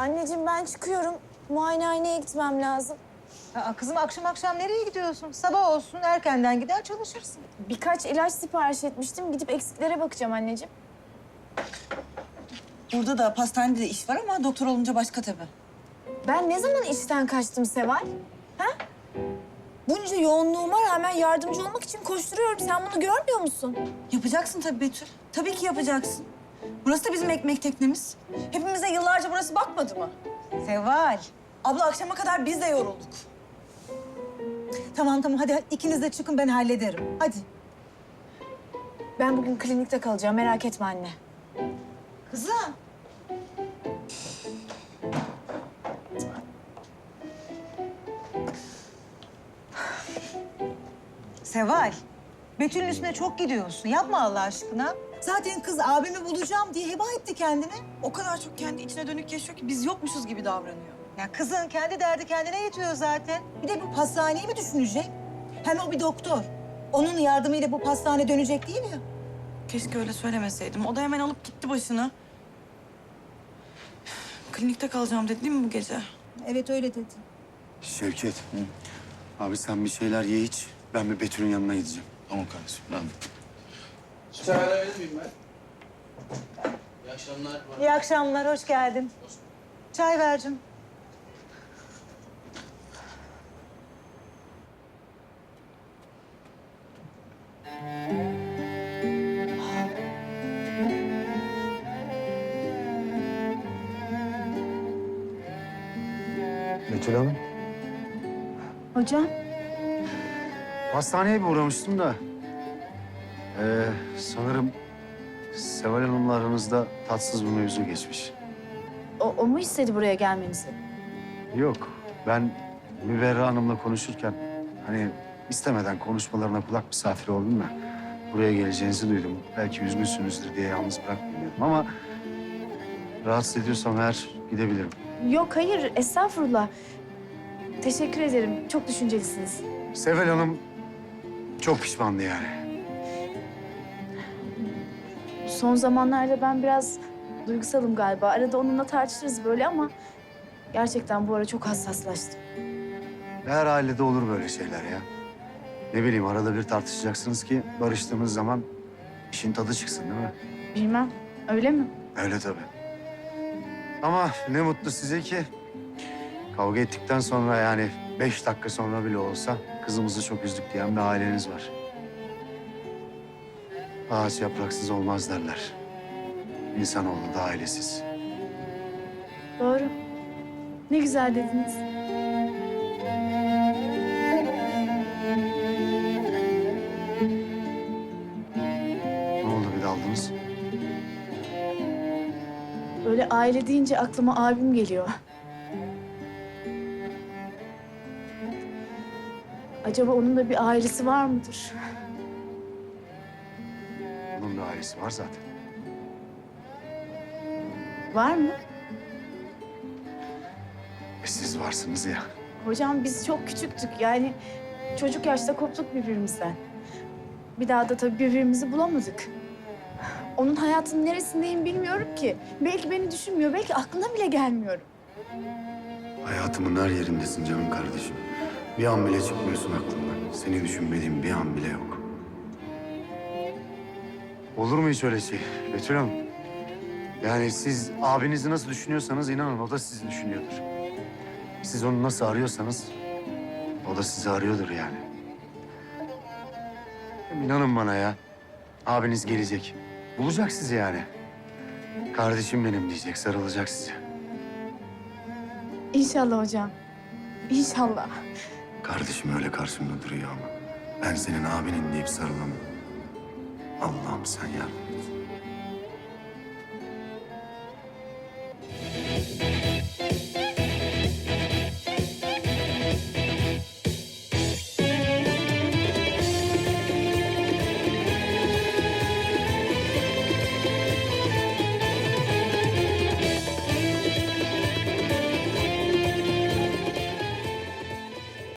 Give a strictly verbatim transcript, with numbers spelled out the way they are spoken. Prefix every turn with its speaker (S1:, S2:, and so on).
S1: Anneciğim ben çıkıyorum. Muayenehaneye gitmem lazım.
S2: Aa, kızım akşam akşam nereye gidiyorsun? Sabah olsun erkenden gider çalışırsın.
S1: Birkaç ilaç sipariş etmiştim. Gidip eksiklere bakacağım anneciğim.
S3: Burada da pastanede de iş var ama doktor olunca başka tabii.
S1: Ben ne zaman işten kaçtım Seval? Ha? Bunca yoğunluğuma rağmen yardımcı olmak için koşturuyorum. Sen bunu görmüyor musun?
S3: Yapacaksın tabii Betül. Tabii ki yapacaksın. Burası da bizim ekmek teknemiz. Hepimize yıllarca burası bakmadı mı?
S2: Seval.
S3: Abla akşama kadar biz de yorulduk. Tamam tamam hadi ikiniz de çıkın ben hallederim. Hadi.
S1: Ben bugün klinikte kalacağım. Merak etme anne.
S3: Kızım.
S2: Seval. Betül'ün üstüne çok gidiyorsun. Yapma Allah aşkına.
S3: Zaten kız abimi bulacağım diye heba etti kendini. O kadar çok kendi içine dönük yaşıyor ki biz yokmuşuz gibi davranıyor.
S2: Ya kızın kendi derdi kendine yetiyor zaten.
S3: Bir de bu pastaneyi mi düşünecek? Hem o bir doktor. Onun yardımıyla bu pastane dönecek değil ya.
S4: Keşke öyle söylemeseydim. O da hemen alıp gitti başını. Klinikte kalacağım dedi değil mi bu gece?
S3: Evet öyle dedi.
S5: Şevket. Abi sen bir şeyler ye iç. Ben bir Betül'ün yanına gideceğim.
S6: Tamam kardeşim, ben de.
S7: Çay alabilir miyim ben? İyi akşamlar.
S2: İyi akşamlar, hoş geldin. Çay vercim.
S5: Betül Hanım.
S1: Hocam.
S5: Hastaneye bir uğramıştım da. Ee, sanırım Seval Hanım'la aranızda tatsız bir mevzu geçmiş.
S1: O, o mu istedi buraya gelmenizi?
S5: Yok. Ben Müberra Hanım'la konuşurken hani istemeden konuşmalarına kulak misafiri oldum da buraya geleceğinizi duydum. Belki üzgünsünüzdür diye yalnız bırakmayayım dedim ama rahatsız ediyorsam eğer gidebilirim.
S1: Yok hayır estağfurullah. Teşekkür ederim. Çok düşüncelisiniz.
S5: Seval Hanım çok pişmandı yani.
S1: Son zamanlarda ben biraz duygusalım galiba. Arada onunla tartışırız böyle ama gerçekten bu ara çok hassaslaştım.
S5: Her ailede olur böyle şeyler ya. Ne bileyim arada bir tartışacaksınız ki barıştığınız zaman işin tadı çıksın değil mi?
S1: Bilmem. Öyle mi?
S5: Öyle tabii. Ama ne mutlu size ki kavga ettikten sonra yani beş dakika sonra bile olsa kızımızı çok üzdük diyen bir aileniz var. Ağaç yapraksız olmaz derler. İnsanoğlu da ailesiz.
S1: Doğru. Ne güzel dediniz.
S5: Ne oldu bir daldınız?
S1: Böyle aile deyince aklıma abim geliyor. Acaba onun da bir ailesi var mıdır?
S5: Onun bir ailesi var zaten.
S1: Var mı?
S5: E siz varsınız ya.
S1: Hocam biz çok küçüktük yani çocuk yaşta koptuk birbirimizden. Bir daha da tabii birbirimizi bulamadık. Onun hayatının neresindeyim bilmiyorum ki. Belki beni düşünmüyor, belki aklına bile gelmiyorum.
S5: Hayatımın her yerindesin canım kardeşim. Bir an bile çıkmıyorsun aklımdan. Seni düşünmediğim bir an bile yok. Olur mu hiç öyle şey Betül Hanım? Yani siz abinizi nasıl düşünüyorsanız inanın o da sizi düşünüyordur. Siz onu nasıl arıyorsanız o da sizi arıyordur yani. Hem İnanın bana ya. Abiniz gelecek. Bulacak sizi yani. Kardeşim benim diyecek, sarılacak size.
S1: İnşallah hocam. İnşallah.
S5: Kardeşim öyle karşımda duruyor ama ben senin abinin deyip sarılamam. Allah'ım sen yardım et.